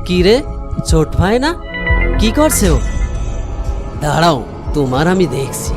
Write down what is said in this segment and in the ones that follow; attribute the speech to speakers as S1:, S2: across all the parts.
S1: কি রে, ছোট ভাই না? কি করছে ও? দাঁড়াও, তোমার আমি দেখছি।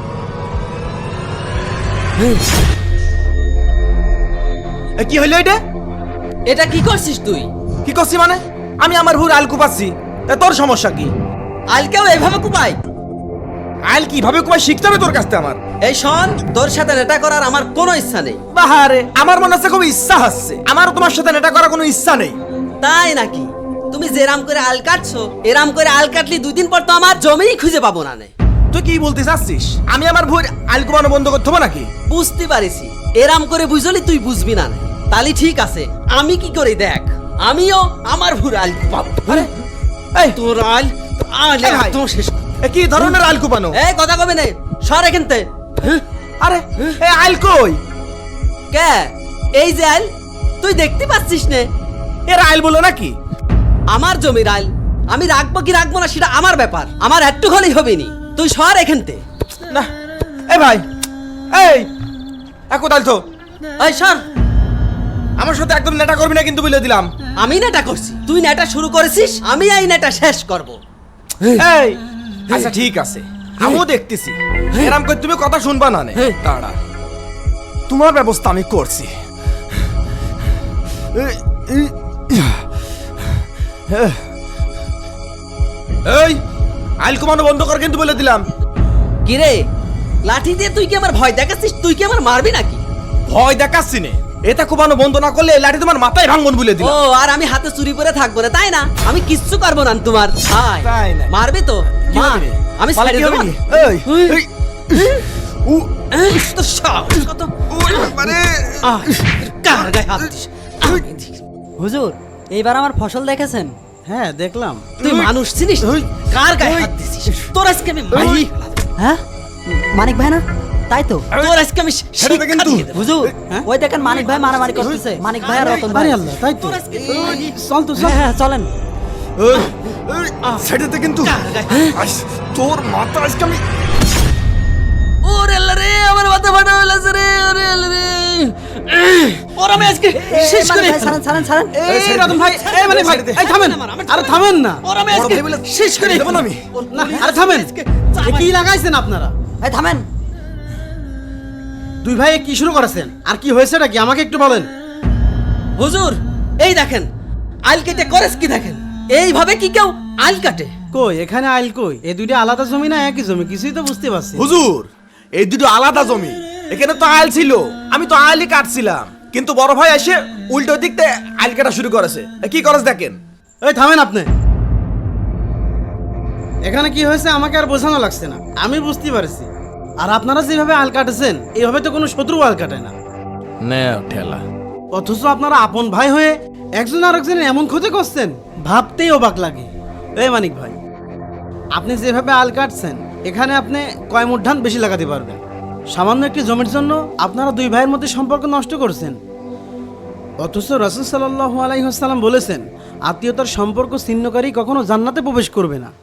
S2: কি হইলো এটা?
S1: এটা কি করছিস তুই?
S2: কি করছি মানে? আমি আমার ভুর আল কুপাচ্ছি, তা তোর সমস্যা কি?
S1: আলকেও এভাবে কুপাই?
S2: আল কিভাবে কুপাই শিখতে হবে তোর কাছ থেকে আমার।
S1: এই শোন, তোর সাথে নেটা করার আমার কোনো ইচ্ছা নেই।
S2: বাহারে, আমার মনে হচ্ছে খুব ইচ্ছা হচ্ছে। আমার তোমার সাথে নেটা করার কোনো ইচ্ছা নেই।
S1: তাই নাকি? তুমি যেরাম করে আল কাটছো, এরাম করে আল কাটলি 2 দিন পর তো আমার জমিই খুঁজে পাবো না।
S2: তুই কি বলতে চাচ্ছিস? আমি আমার ভুর আল কুপানো বন্ধ করতে হবে নাকি?
S1: বুঝতে পারিছি, এরাম করে বুঝলি তুই বুঝবি না। তালি ঠিক আছে, আমি কি করি দেখ। আমিও আমার ভুর আল কুপাবো।
S2: আরে এই
S1: তোর আল আলে
S2: ভাই,
S1: একদম শেষ।
S2: কি ধরনের আল কুপানো?
S1: এই কথা কবে নে, সর এখানতে।
S2: আরে এই আল কই?
S1: কে? এই যে আল, তুই দেখতে পাচ্ছিস নে?
S2: এর আল বলো নাকি?
S1: আমার জমির আল, আমি রাখবো কি রাখবো না সেটা আমার ব্যাপার। আমার একটু হলেই হবে নি। তুই সর এখানতে।
S2: না এই ভাই, এই কোথায় তো?
S1: এই সর।
S2: আমার সাথে একদম নেটা করবি না কিন্তু বলে দিলাম।
S1: আমি নেটা করছি, তুই নেটা শুরু করেছিস, আমি এই নেটা শেষ করব।
S2: এই আচ্ছা ঠিক আছে, আমিও দেখতেছি। এরকম করে তুমি কথা শুনবা না নে। দাঁড়া, তোমার ব্যবস্থা আমি করছি। এই আইল কমানো বন্ধ কর কিন্তু বলে দিলাম।
S1: কিরে, লাঠি দিয়ে তুই কি আমার ভয় দেখাচ্ছিস? তুই কি আমার মারবি নাকি?
S2: ভয় দেখাচ্ছি নে, এটা কোপানো বন্ধ না করলে লাঠি তোমার মাথায় ভাঙবন বলে
S1: ও,
S2: দিলাম।
S1: আর আমি হাতে চুরি পরে থাকবো না তাই না? আমি কিচ্ছু করবো না তোমার।
S2: তাই না?
S1: মারবি তো
S2: কি
S1: মার।
S2: হবে?
S1: আমি
S2: পালা
S1: ছেড়ে
S2: কি
S1: দেবো
S2: হবে
S1: না।
S2: কি? এই উ
S1: তো সাহস কত!
S2: মানে
S1: কার গায়ে হাত দিস?
S3: হুজুর, এইবার আমার ফসল দেখেছেন? হ্যাঁ দেখলাম।
S1: তুই মানুষ চিনিস? কার গায়ে হাত দিছিস? তোর আজকে আমি মারি।
S3: হ্যাঁ, মানিক ভাই না? তাই তো।
S1: তোর আজকে আমি
S2: ছেড়ে দে কিন্তু।
S1: শিক্ষা দিয়ে দেবো।
S3: হুজুর, ওই দেখেন মানিক ভাই মারামারি করতেছে। মানিক ভাই আর রতন ভাই। আল্লাহ, তাই তো।
S1: তোর আজকে
S3: চল তো, হ্যাঁ চলেন।
S2: ছেড়ে দে কিন্তু। তোর মাথা আজকে আমি
S1: ওরে আল্লাহ রে, আমার মাথা ফাটা হয়ে গেছে রে। ওরে আল্লাহ রে, ওর আমি আজকে শেষ করে
S3: ছাড়েন।
S2: এই রতন ভাই, এই মানিক ভাই, এই থামেন।
S3: আরে থামেন না।
S1: ওর আমি আজকে শেষ করে
S2: দেব না আমি।
S3: না, আরে থামেন। কি লাগাইছেন আপনারা? এই থামেন। দুই ভাই কি শুরু করেছেন? আর কি হয়েছে নাকি আমাকে একটু বলেন।
S1: হুজুর, এই দেখেন আইল কেটে করেছ কি দেখেন। এইভাবে কি কেউ আইল কাটে?
S3: কই এখানে আইল কই? এই দুইটা আলাদা জমি না একই জমি? কিছুই তো বুঝতে পারছি।
S2: হুজুর, এই দুটো আলাদা জমি। এখানে তো আইল ছিল, আমি তো আইলই কাটছিলাম, কিন্তু বড় ভাই এসে উল্টো দিক থেকে আইল কাটা শুরু করেছে। কি করেছে দেখেন।
S3: এই থামেন আপনি। এখানে কি হয়েছে আমাকে আর বোঝানো লাগছে না, আমি বুঝতে পারছি। আর আপনারা যেভাবে আল কাটেছেন, এইভাবে তো কোনো শত্রু আল কাটে না।
S2: ঠেলা।
S3: অথচ আপনারা আপন ভাই হয়ে একজন আর একজনের এমন ক্ষতি করছেন, ভাবতেই অবাক লাগে। এই মানিক ভাই, আপনি যেভাবে আল কাটছেন, এখানে আপনি কয় মুঠ ধান বেশি লাগাতে পারবেন। সামান্য একটি জমির জন্য আপনারা দুই ভাইয়ের মধ্যে সম্পর্ক নষ্ট করছেন। অথচ রাসূল সাল্লাল্লাহু আলাইহি ওয়াসাল্লাম বলেছেন, আত্মীয়তার সম্পর্ক ছিন্নকারী কখনো জান্নাতে প্রবেশ করবে না।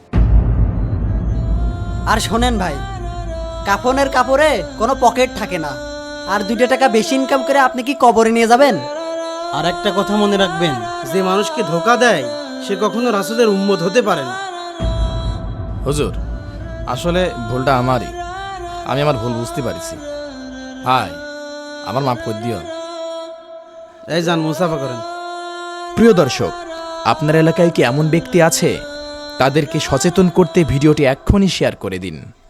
S4: আর শোনেন ভাই, কাফনের কাপড়ে কোনো পকেট থাকে না। আর 2 টাকা বেশি ইনকাম করে আপনি কি কবরে নিয়ে যাবেন?
S3: আর একটা কথা মনে রাখবেন, যে মানুষকে ধোকা দেয় সে কখনো রাসূলের উম্মত হতে পারে না।
S5: হুজুর, আসলে ভুলটা আমারই। আমি আমার ভুল বুঝতে পারছি। ভাই, আমার মাফ করে দিও।
S3: এই যান, মুসাফা করেন।
S6: প্রিয় দর্শক, আপনার এলাকায় কি এমন ব্যক্তি আছে? তাদেরকে সচেতন করতে ভিডিওটি এক্ষুনি শেয়ার করে দিন।